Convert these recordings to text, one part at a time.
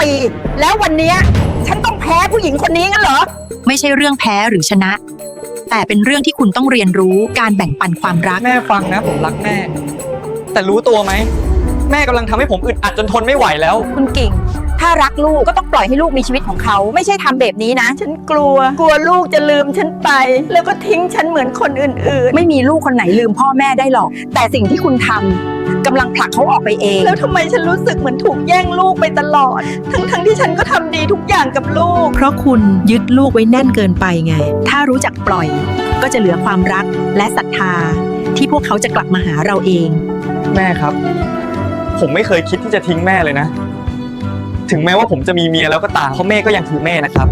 ปีแล้ววันเนี้ยฉันต้องแพ้ผู้หญิงคนนี้งั้นเหรอไม่ใช่เรื่องแพ้หรือชนะ แต่เป็นเรื่องที่คุณต้องเรียนรู้การแบ่งปันความรักแม่ฟังนะผมรักแม่แต่รู้ตัวไหมแม่กำลังทำให้ผมอึดอัดจนทนไม่ไหวแล้วคุณกิ่งถ้ารักลูกก็ต้องปล่อยให้ลูกมีชีวิตของเขาไม่ใช่ทำแบบนี้นะฉันกลัวลูกจะลืมฉันไปแล้วก็ทิ้งฉันเหมือนคนอื่นๆไม่มีลูกคนไหนลืมพ่อแม่ได้หรอกแต่สิ่งที่คุณทำกำลังผลักเขาออกไปเองแล้วทำไมฉันรู้สึกเหมือนถูกแย่งลูกไปตลอดทั้งที่ฉันก็ทำดีทุกอย่างกับลูกเพราะคุณยึดลูกไว้แน่นเกินไปไงถ้ารู้จักปล่อยก็จะเหลือความรักและศรัทธาที่พวกเขาจะกลับมาหาเราเองแม่ครับผมไม่เคยคิดที่จะทิ้งแม่เลยนะถึงแม้ว่าผมจะมีเมียแล้วก็ตามเพราะแม่ก็ยังคือแม่นะครับ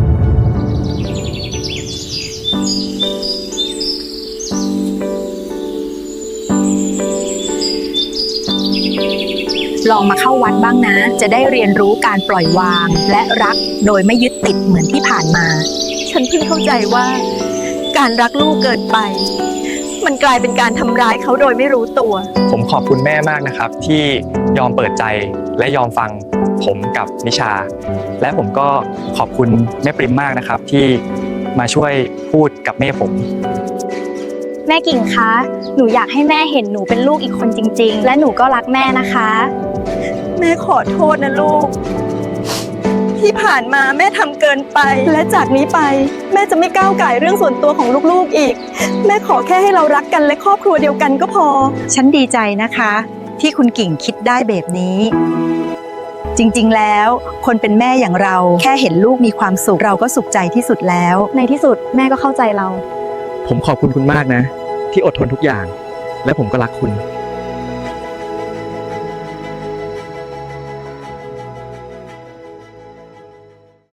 ลองมาเข้าวัดบ้างนะจะได้เรียนรู้การปล่อยวางและรักโดยไม่ยึดติดเหมือนที่ผ่านมาฉันเพิ่งเข้าใจว่าการรักลูกเกินไปมันกลายเป็นการทำร้ายเขาโดยไม่รู้ตัวผมขอบคุณแม่มากนะครับที่ยอมเปิดใจและยอมฟังผมกับนิชาและผมก็ขอบคุณแม่ปริมมากนะครับที่มาช่วยพูดกับแม่ผมแม่กิ่งคะหนูอยากให้แม่เห็นหนูเป็นลูกอีกคนจริงๆและหนูก็รักแม่นะคะแม่ขอโทษนะลูกที่ผ่านมาแม่ทำเกินไปและจากนี้ไปแม่จะไม่ก้าวก่ายเรื่องส่วนตัวของลูกๆอีกแม่ขอแค่ให้เรารักกันและครอบครัวเดียวกันก็พอฉันดีใจนะคะที่คุณกิ่งคิดได้แบบนี้จริงๆแล้วคนเป็นแม่อย่างเราแค่เห็นลูกมีความสุขเราก็สุขใจที่สุดแล้วในที่สุดแม่ก็เข้าใจเราผมขอบคุณคุณมากนะที่อดทนทุกอย่างและผมก็รักคุณ